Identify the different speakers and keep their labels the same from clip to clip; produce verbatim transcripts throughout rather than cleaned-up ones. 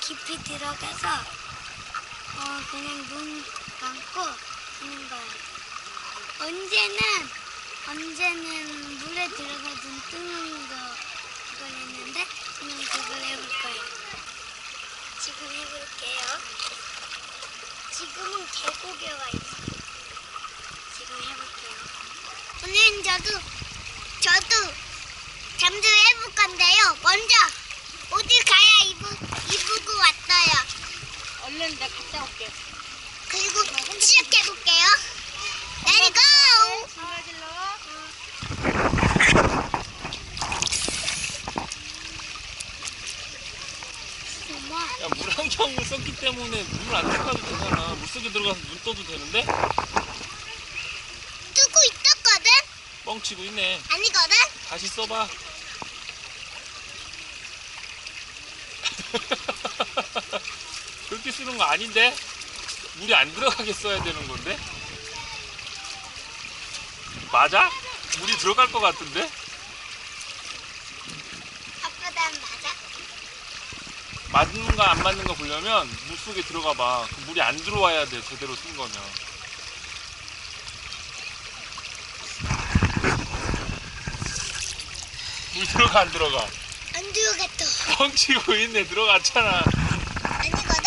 Speaker 1: 깊이 들어가서 어, 그냥 눈 감고 하는 거야. 언제는 언제는 물에 들어가 눈 뜨는 거 그걸 했는데 그냥 그걸 해볼 거예요. 지금 해볼게요. 지금은 계곡에 와 있어요. 지금 해볼게요. 오늘은 저도 저도 잠수 해볼 건데요. 먼저 옷을 가야 입을 입고 왔어요.
Speaker 2: 얼른 내가 갔다 올게.
Speaker 1: 그리고 시작해볼게요. Let it go! 엄마.
Speaker 3: 야, 물안경을 썼기 때문에 물 안 들어가도 되잖아. 물속에 들어가서 눈 떠도 되는데?
Speaker 1: 뜨고 있었거든?
Speaker 3: 뻥치고 있네.
Speaker 1: 아니거든?
Speaker 3: 다시 써봐. 그렇게 쓰는 거 아닌데? 물이 안 들어가게 써야 되는 건데? 맞아? 물이 들어갈 것 같은데?
Speaker 1: 아빠 난 맞아?
Speaker 3: 맞는가 안 맞는가 보려면 물속에 들어가 봐. 그 물이 안 들어와야 돼, 제대로 쓴 거면. 물 들어가 안 들어가?
Speaker 1: 안 들어갔어.
Speaker 3: 뻥치고 있네. 들어갔잖아.
Speaker 1: 아니거든?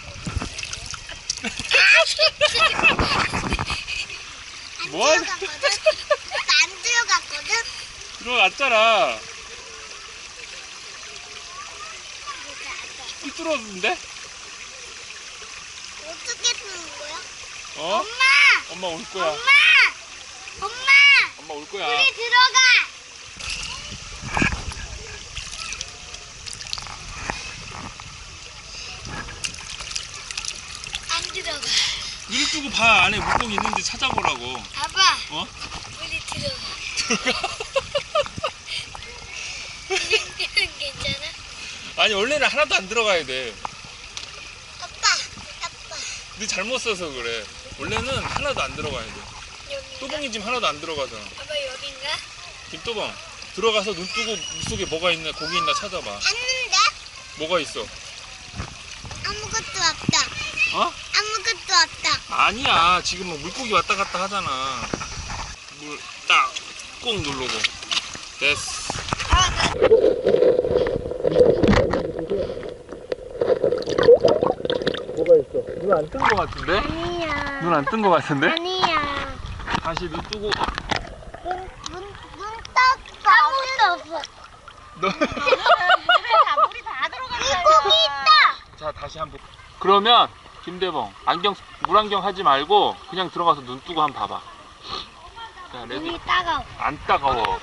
Speaker 1: 안
Speaker 3: 뭐 하는-
Speaker 1: 들어갔거든? 아빠 안 들어갔거든?
Speaker 3: 들어갔잖아.
Speaker 1: 들어갔어.
Speaker 3: 삐뚤어졌는데?
Speaker 1: 어떻게 쓰는 거야?
Speaker 3: 어?
Speaker 1: 엄마!
Speaker 3: 엄마 올 거야.
Speaker 1: 엄마! 엄마!
Speaker 3: 엄마 올 거야.
Speaker 1: 물이 들어가! 안 들어가.
Speaker 3: 눈을 뜨고 봐. 안에 물고기 있는지 찾아보라고.
Speaker 1: 아빠,
Speaker 3: 어?
Speaker 1: 물이 들어가.
Speaker 3: 들어가?
Speaker 1: 괜찮아?
Speaker 3: 아니, 원래는 하나도 안 들어가야 돼.
Speaker 1: 아빠, 아빠.
Speaker 3: 네 잘못 써서 그래. 원래는 하나도 안 들어가야 돼.
Speaker 1: 여긴가?
Speaker 3: 또봉이 지금 하나도 안 들어가잖아.
Speaker 1: 아빠 여긴가?
Speaker 3: 김또봉, 들어가서 눈 뜨고 물속에 뭐가 있나, 고기 있나 찾아봐.
Speaker 1: 봤는데?
Speaker 3: 뭐가 있어?
Speaker 1: 아무것도 없다.
Speaker 3: 어?
Speaker 1: 아무것도 없다.
Speaker 3: 아니야. 지금 뭐 물고기 왔다 갔다 하잖아. 물 딱 꾹 누르고. 됐어.
Speaker 1: 아, 나...
Speaker 3: 뭐가 있어? 눈 안 뜬 거 같은데?
Speaker 1: 아니야.
Speaker 3: 눈 안 뜬 거 같은데?
Speaker 1: 아니야.
Speaker 3: 다시 눈 뜨고.
Speaker 1: 눈, 눈, 눈 떴어. 아무것도 없어.
Speaker 3: 너...
Speaker 2: 물에 다 물이 다 들어갔잖아.
Speaker 1: 물고기 있다.
Speaker 3: 자, 다시 한번. 그러면 김대봉, 안경 물안경 하지 말고 그냥 들어가서 눈 뜨고 한번 봐봐. 자, 레디.
Speaker 1: 눈이 따가워.
Speaker 3: 안 따가워.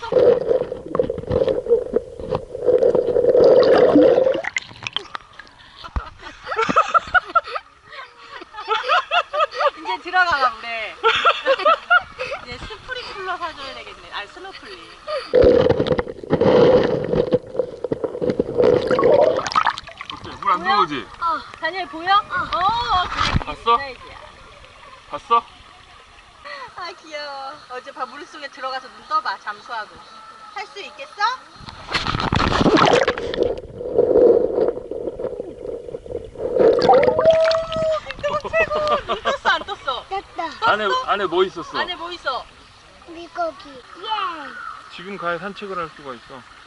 Speaker 2: 이제 들어가라 물에. 이제 스프링클러 사줘야 되겠네. 아니 스노클링.
Speaker 3: 어때? 물 안 들어오지?
Speaker 2: 어, 다니엘 보여? 어, 그래.
Speaker 3: 봤어?
Speaker 2: 사이즈야.
Speaker 3: 봤어?
Speaker 2: 아 귀여워. 어제 밥 물속에 들어가서 눈 떠봐. 잠수하고. 할 수 있겠어? 김도복 최고. 눈 떴어 안 떴어?
Speaker 1: 떴다.
Speaker 3: 안에 안에 뭐 있었어?
Speaker 2: 안에 뭐 있어?
Speaker 1: 물고기. 예.
Speaker 3: 지금 가야 산책을 할 수가 있어.